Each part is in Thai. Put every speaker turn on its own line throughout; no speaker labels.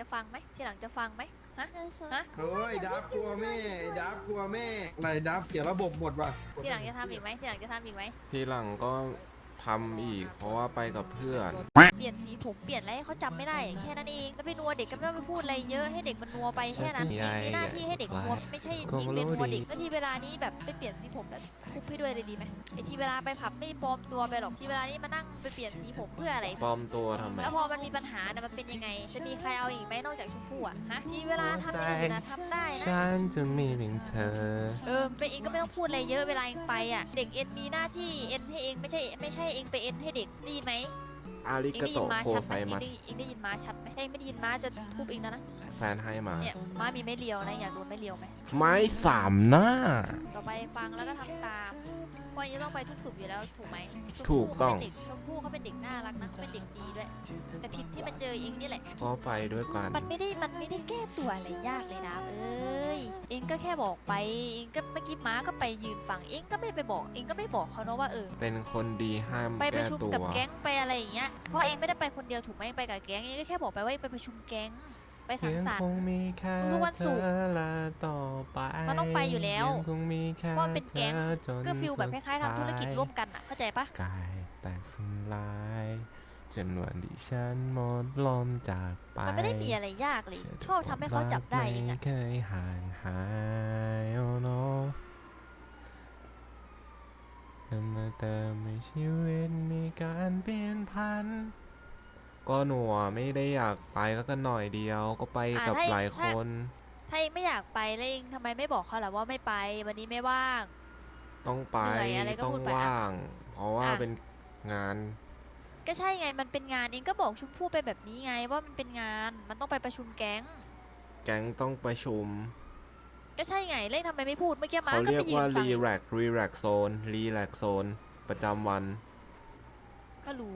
ฟังไหมทีหลังจะฟังไหมฮะฮะ
เฮ้ยดับกลัวแม่ดับกลัวแม่อะไรดับเสียระบบหมดว่ะ
ทีหลังจะทำอีกไหมทีหลังจะทำอีกไหม
ทีหลังก็ทำอีกเพราะว่าไปกับเพื่อน
เปลี่ยนสีผมเปลี่ยนอะไรให้เขาจำไม่ได้แค่นั้นเองแล้วไปนัวเด็กก็ไม่ต้องไปพูดอะไรเยอะให้เด็กมันนัวไปแค่นั้นเองมีหน้าที่ให้เด็กนัวไม่ใช่เองเป็นนัวเด็กแล้วทีเวลานี้แบบไปเปลี่ยนสีผมแบบทุบให้ด้วยเลยดีไหมไอทีเวลาไปผับไม่ปลอมตัวไปหรอกทีเวลานี้มานั่งไปเปลี่ยนสีผมเพื่ออะไร
ปลอมตัวทำไม
แล้วพอมันมีปัญหาเนี่ยมันเป็นยังไงจะมีใครเอาอีกไหมนอกจากชมพู่อะฮะทีเวลาทำอย่างอื่นนะทำได้นะ
ฉันจะมีเพียงเธอ
ไปเองก็ไม่ต้องพูดอะไรเยอะเวลาเองไปอ่ะเด็กเอ็นมีหน้าที่เอ็นให้เองไม่ใช่เองไปเอ็นให้เด็กได้ยินไหม
อาริ
เอง
กา
ได้ยิ
โต
นม้า
โก
ชัด
ไซ
ไหม
มัส
เองได้ยินม้าชัดไหมถ้าเองไม่ได้ยินม้าจะทุบเองแล้วนะ
แฟนให้มา
เนี่ยม้ามีไม่เลียวนะอยากโดนไม่เลียวไหม
ไม้สามหน้า
ต่อไปฟังแล้วก็ทำตามเพราะยังต้องไปทุกสุขอยู่แล้วถูกไหม
ถูกต้อง
ชมพู่เขาเป็นเด็กน่ารักนะเขาเป็นเด็กดีด้วย แต่ผิดที่มาเจอเองนี่แหละ
ก็ไปด้วยกัน
มันไม่ได้แก้ตัวอะไรยากเลยนะเอ้ยเองก็แค่บอกไปเองก็เมื่อกี้ม้าก็ไปยืนฟังเองก็ไม่ไปบอกเองก็ไม่บอกเขาเนาะว่า
เป็นคนดีห้าม
ไปประ
แก้
ชุม
ตัว
กับแก๊งไปอะไรอย่างเงี้ย เพราะเองไม่ได้ไปคนเดียวถูกไหมไปกับแก๊งเองก็แค่บอกไปว่าไปประชุมแก๊งไปสัง
ยัง
สรร
คง
ค์
มีแค่
ทุกวัน
เธ
ศุก
อ
ร์
และต่อไป
มันต้องไปอยู่แล้ว
ยังคงมีแค่
เพราะมันเป็นแก๊ง
ธอจน
ก็ฟิลแบบคล้ายๆทำธุรกิจร่วม
สุด
กันอ่ะเข้าใจปะ
ท้ายกายแตกสลายจนวันที่ฉันหมดลมจากไป
มันไม่ได้มีอะไรยากเลยชอบทำให้เขาจับได้เอง
ไม่
อ่ะ
เคยห่างหายโอ้โนนำมาเติมให้ชีวิตมีการเปลี่ยนพัน ก็หนูไม่ได้อยากไปแล้วก็หน่อยเดียวก็ไปกับหลายคน
ถ้าเองไม่อยากไปแล้วเองทำไมไม่บอกเขาล่ะว่าไม่ไปวันนี้ไม่ว่าง
ต้องไป
เหนื่อยอะไรก็
ต้อง
พูดไป
ว่าง เพราะว่า
อ่ะ
เป็นงาน
ก็ใช่ไงมันเป็นงานเองก็บอกชมพู่ไปแบบนี้ไงว่ามันเป็นงานมันต้องไปประชุมแก๊ง
แก๊งต้องประชุม
ก็ใช่ไงเล่นทำไมไม่พูดเมื่อกี้ม้า
เขา
ก็
เรีย
ไป
ก
ยืน
ว่า
ฟัง
รีแลกโซนประจำวัน
ก็รู้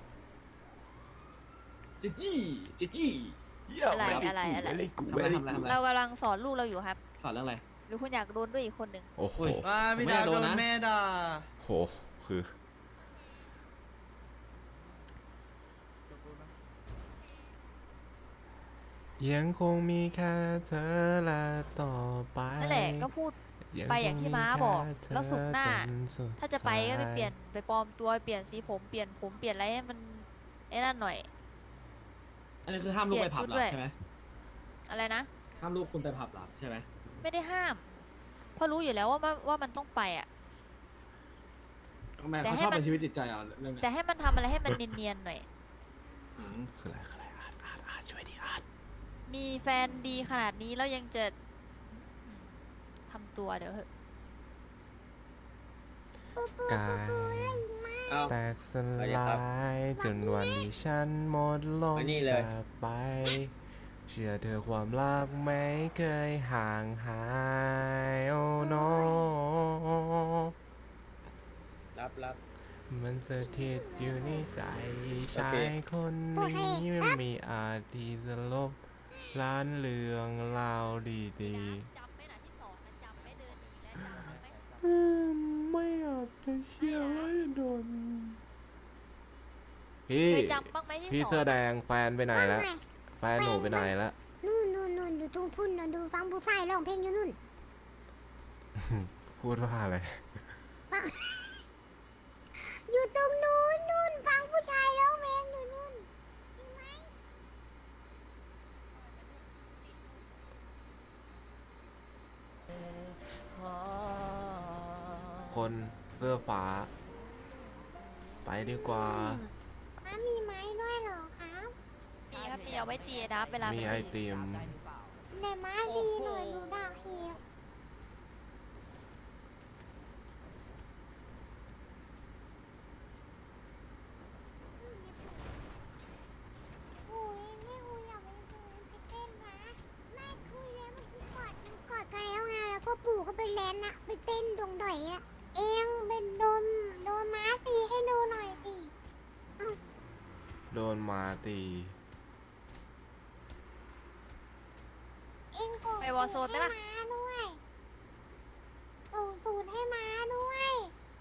เจจี้เจจี้
อะไร
กู
ทำอะไรทำอะไรทำอะไร
เรากำลังสอนลูกเราอยู่ครับ
สอนเรื่องอะไร
หรือคุณอยากโดนด้วยอีกคนหนึ่ง
โอ้โห
โอ้ย
ว่าพี่
ไม่
ดาว
โด
โด
น
น
นะ
แม่ด่า
โหคือ ยังคงมีแค่เธอและต่อไป
นั่นแหละก็พูด ไปอย่างที่ม้าบอกแล้วศุกร์หน้า
จสุด
ถ้าจะไปก็ไป
ท้าย
เปลี่ยนไปปลอมตัวเปลี่ยนสีผมเปลี่ยนอะไรให้มันไอ้นั่นหน่อย
อันนี้คือห้ามลูกไปผับเหร
เปลี่
อย
นชุดด้วย
ใช่ไหม
อะไรนะ
ห้ามลูกคุณไปผับเหรอใช่ไหม
ไม่ได้ห้ามเพราะรู้อยู่แล้วว่ามันต้องไปอ่ะ
ทำไม
แต่
เขา
ให้
ชอบ
มัน
เป็นชีวิตจิตใจอ่ะเรื่องเนี้ย
แต่ให้มันทำอะไรให้มันเนียนๆหน่อย
อืม
คืออะไรอาร์ตช่วยดิอาร์ต
มีแฟนดีขนาดนี้แล้วยังจะทำตัวเดี๋ยวเหอะ
กาย
เอา
แตกสลายจนวันที่ฉันหมดลม
มานี่เลย
จากไป เชื่อเธอความรักไม่เคยห่างหายโอ้โน
รับ
มันสถิตอยู่ในใจชา
โอเค
ยคนนี้ไม่มีอาจที่จะลบล้านเรื่องราวดี
จำไหมนะที่สอนนะจำไหมเดินหนีแล้วจำบ้างไหม
ๆไม่อาจจะเชื่อว่าจะโดนพี่
เคยจำบ้างไหมที่
พี่
ส
เสื้
อ
อน แดงแฟนไปไหนแล้ว แฟนหนูไปไหนแล้ว
นู่นอยู่ตรงพุ่นน่ะดูฟังผู้ชายร้องเพลงอยู่นู่น
พูดว่าอะไร
อยู่ตรงนู่นฟังผู้ชายร้องเพลงอยู่นู่นเห็นไหม
คนเสื้อฟ้า ไปดีกว่า
ม้ามีไม้ด้วยเหรอครับ
มีครับมีเอาไว้ตีดับเวลา
มี
มี
ไอติม
แต่ม้าดีหน่อยหนูด่าเหียโอ้ยไม่คุยอยากไปดูไปเต้นนะไม่คุยแล้วเมื่อกี้กอดกันแล้วไงแล้วก็ปู่ก็ไปแลนนะไปเต้นดงดอยอะเองเป็นโดนม้าตีให้ดูหน่อยสิ
โดนมาตี
เองโก
ไปวอร์โซนไหมล่ะ
ม้าด้วยส่งตูดให้ม้าด้วย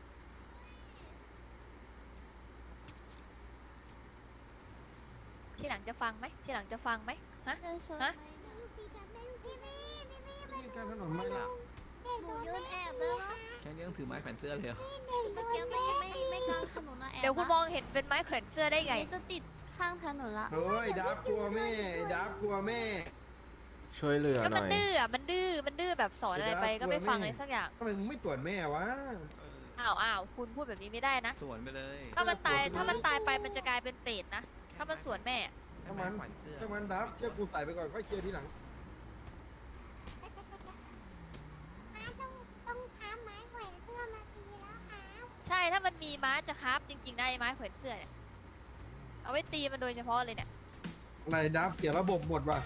ที่หลังลังจะฟังไหมทีหลังจะฟังไหมฮะ ฮะ
ตีกันไม่รู้พี่ไม่
นี่การถนนไม่ละ
เด็ก
ห
โด
นู
น
ยืนแอบเลยเนาะ
แค่นี้ต้องถือไม้แขวนเสื้อเลยเหรอ
เด็กโด
เมื่อน กี้ไม่กลางถนนนะแอบ
เดี๋ยวคุณมองเห็นเป็นไม้แขวนเสื้อได้ไง
จะติดข้างถนนละ
เฮ้ยดับกลัวแม่ไอ้ดับกลัวแม่
ช่วยเหลือ
ก็
ห
มั
น่
น
อย
ดื้ออ่ะมันดื้อแบบสอนอะไรไปก็ไม่ฟังอะไรสักอย่าง
ทำไมมึงไม่ตรวจแม่วะ
อ้าวคุณพูดแบบนี้ไม่ได้นะ
สวนไปเลย
ถ้ามันตายไปมันจะกลายเป็นเปรตนะ ถ้ามันสวนแม่
ถ้ามัน
แขวนเสื้อ
ถ้ามันดับเชื่อกูใส่ไปก่อนค่อยเคลียร์ทีหลัง
ม้าต้องค้าไม้แขวนเสื้อมาตีแล้วครับ
ใช่ถ้ามันมีม้าจะคราฟจริงๆได้ไม้แขวนเสื้อเนี่ยเอาไว้ตีมันโดยเฉพาะเลยเนี่ย
อะไรดับเสียระบบหมดว่ะ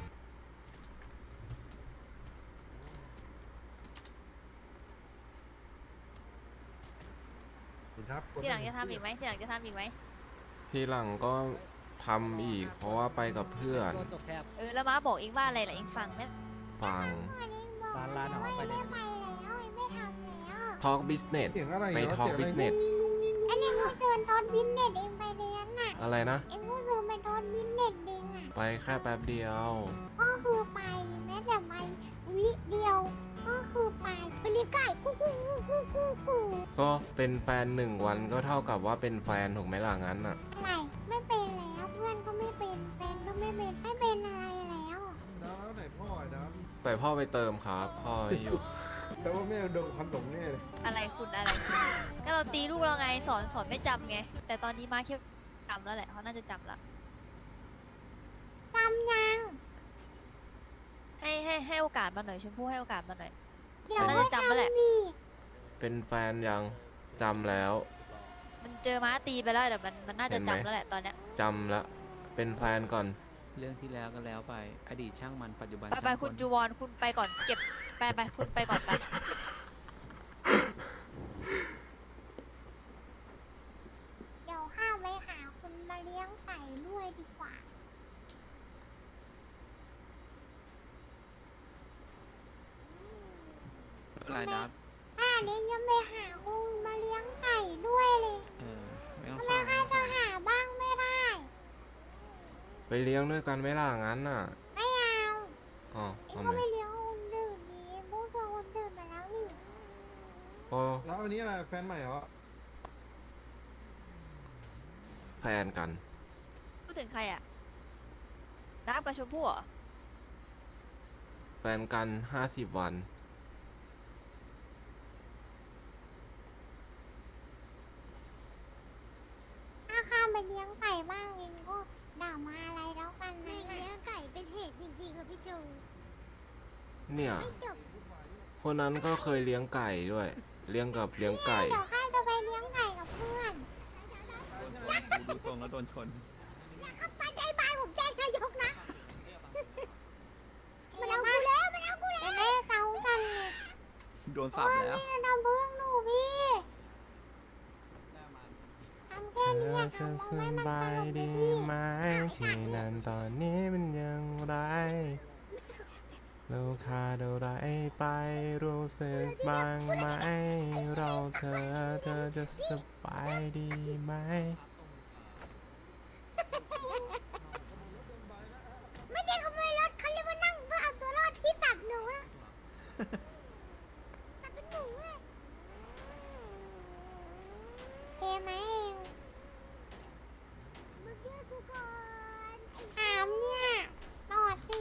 ไอ้ดับกด
ทีหลังจะทำอีกไหมทีหลังจะทำอีกไหม
ทีหลังก็ทำอีก เพราะว่าไปกับเพื่อน
แล้วม้าบอกเองว่าอะไรล่ะเองฟังไหม
ฟัง
พ่อเองบอกว่าไม่ไปแล้วไม่ทำแล้ว
Talk Business
เสียงอะไร
ไป
เหรอ
Talk
เสียงอะไร
Business
อันนี้กูเชิญตอนวินเน็ตเองไปเรียนน่ะ
อะไรนะ
เองกูเชิญไปตอนวินเน็ตเองอ่ะ
ไปแค่แป๊บเดียว
ก็คือไปแม้แต่ไปวิเดียว ก็คือไปเรียกไก่กู
ก็เป็นแฟนหนึ่งวันก็เท่ากับว่าเป็นแฟนถูกไหมล่ะงั้นอ่ะ
อะไรไม่เป็นแล้วเพื่อนก็ไม่เป็นแฟนก็ไม่เป็นอะไรแล้ว
ดับแล้วไหนพ่อไอ้ดับ
ใส่พ่อไปเติมครับ พ่อไม่อยู่
แปลว่าแม่โดนความตกแน่เลย
อะไรคุณก็เราตีลูกเราไงสอนไม่จำไง แต่ตอนนี้ม้าเคี้ยวจำแล้วแหละเขาน่าจะจำละ
จำยัง
ให้โอกาสมาหน่อยชมพู่ให้โอกาสมาหน่อย
เดี๋ยว
น่า
ก็
จะจำแล้วแหละ
ทำอีก
เป็นแฟนยังจำแล้ว
มันเจอม้าตีไปแล้วแต่มันน่าจะ
เห็นไหม
จำแล้วแหละตอนเนี้ย
จำแล้วเป็นแฟนก่อน
เรื่องที่แล้วก็แล้วไป อดีตช่างมันปัจจุบัน
ไป
ช่าง
คุณ
น
จูวอนคุณไปก่อนเก็บไปคุณไปก่อนไป
เดี๋ยวข้าไปหาคุณมาเลี้ยงไก่ด้วยดีกว่า
ลายดับ
ข้าเลี้ยงยังไปหาคุณมาเลี้ยงไก่ด้วยเลย
ไม่ต้อง
ทำ
เศ
ไม
ร้า
ข้าจะหาบ้างไม่ได้
ไปเลี้ยงด้วยกันไหมล่ะงั้นน่ะ
ไม่เอา
อ๋อ
เอ็ง
ทำ
ก็
ไม
ไปเลี้ยงคนอื่นดีพวกเธอคนอื่นมาแล้วนี่
โอ้
แล้วอันนี้อะไรแฟนใหม่เหรอ
แฟนกัน
พูดถึงใครอ่ะน้ำกับชมพู่เหรอ
แฟนกัน50 วัน
ถ้าข้าไปเลี้ยงไก่บ้างเองก็ด่ามาอะไรแล้วกันนะเลี้ยงไก่เป็นเหตุจริงๆค่ะพี่จู
เนี่ย
ไม่จบ
คนนั้นก็เคยเลี้ยงไก่ด้วย เลี้ยงกับเลี้ยงไก่
เดี๋ยวข้าจะไปเลี้ยงไก่กับเพื่อน
ดูตรงแล้วโดนชน
อย่าเข้าไปใจบานผมแจ้งนายกนะ มันเอากูแล้วมันเอากูแล้วแม่เกากันเลย
โดนสับแล้ว
แม่ทำเพื่อนหนูพี่ทำแค่
เธ
นี้
อ
อะ
จะ
ทำ
ส
ให้มัน
บาย
ตลก
ดี
พี่
ไหมที่นั่นตอนนี้มันยังไรเราขาดอะไรไปรู้สึกบ้างไหมเราเธอจะสบายดีไหม
ไม่ใช่ขโมยรถเขาเรียกว่านั่งเพื่อเอาตัวรอดที่ตัดหนูอะตัดเป็นหนูอะเทไหมเองมาช่วยกูก่อนถามเนี่ยตอดสิ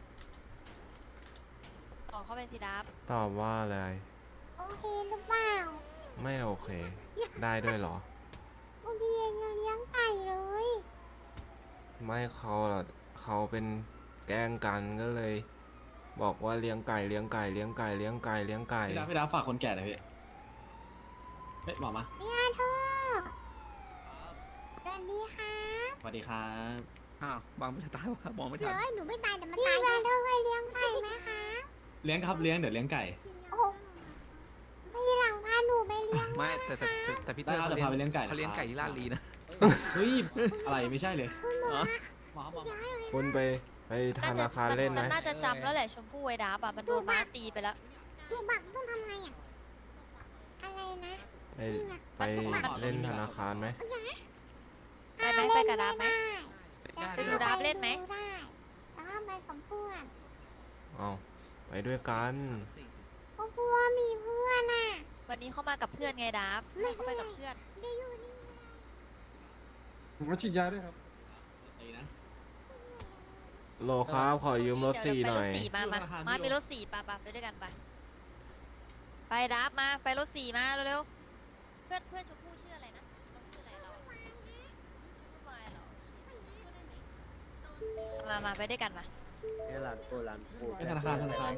ต่อเข้าไปสิดับ
ตอบว่าอะไร
โอเคหรือเปล่า
ไม่โอเค ได้ด้วยเหรอ
บางทีเองยังเลี้ยงไก่เลย
ไม่เขาอะเขาเป็นแกล้งกันก็เลย บอกว่าเลี้ยงไก่เลี้ยงไก่เลี้ยงไก่เลี้ยงไก่เลี้ยงไก่
พี่ดับฝากคนแก่หน่อยพี่เฮ้ยบอกมา
พี่อาเธอร์สวัสดีครับ
สวัสดีครับ
อ้าวบางไม่ได้ตายว่ะมองไม่
เดี๋
ทั
ยวน หนูไม่ตายแต่มันตายพี่อาเธอร์เคยเลี้ยงไก่ไหมคะ
เลี้ยงครับเลี้ยงเดี๋ยวเลี้ยงไก่
โอ้โหพี่หลังพาหนูไปเลี้ยง
ไม่แต่พี่เตอร์
ได้
เขา
เดี๋ยวพาไปเลี้ยงไก่
เขาเลี้ยงไก่ที่ลาดลีนะ
เฮ้ยอะไรไม่ใช่เลย
คุณหมอ
หมอ
สุดยอดเลย
คุณไปธนาคารเล่นไหม
มันน่าจะจำแล้วแหละชมพู่ไอ้ดับมันโดนม้าตีไปแล้ว
ลูกบักต้องทำไงอ่ะ อะไรนะ
ไปเล่นธนาคารไหม
ไปไหมไปกับดับไหม
ด้
ไป
ไปดูดาบเล่นไหม
ได้แล้วก็ไปกับเพื่อน
เอาไปด้วยกัน
ก็กลัวมีเพื่อนอ่ะ
วันนี้เขามากับเพื่อนไงดับให้เขาไปกับเพื่อน
เดี๋ยวอยู่นี่
ผมมาฉีดยาด้วยครับ
ตีนะ
โลครับขอยืมรถสี่ห
เดี๋ยว
น่อย
ไปรถสี่มามามีรถสี่ไปด้วยกันไปไปดับมาไปรถสี่มาเร็วๆเพื่อนชมพู่ชื่ออะไรนะเราชื่ออะไรเราชื่อวุ่นวายเหรอโอเคมาไปด้วยกันมา
เนี่ยร้านปู
ไปธนาคาร
กันแล้ว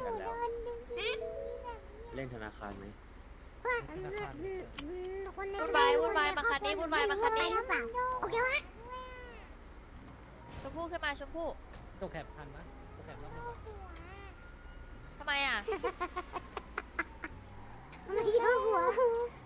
เดิน
เล่นธนาคารไหม
เพื่อนคนใน
วุ่นวายมาคันนี้วุ่นวายมาคันนี้
หรือเปล่าโอเควะ
ชมพู่ขึ้นมาชมพู่
ตัวแคปทันนะตัวแคปรอบนึง
ทำไมอ่ะ
มันไม่ใช่หัว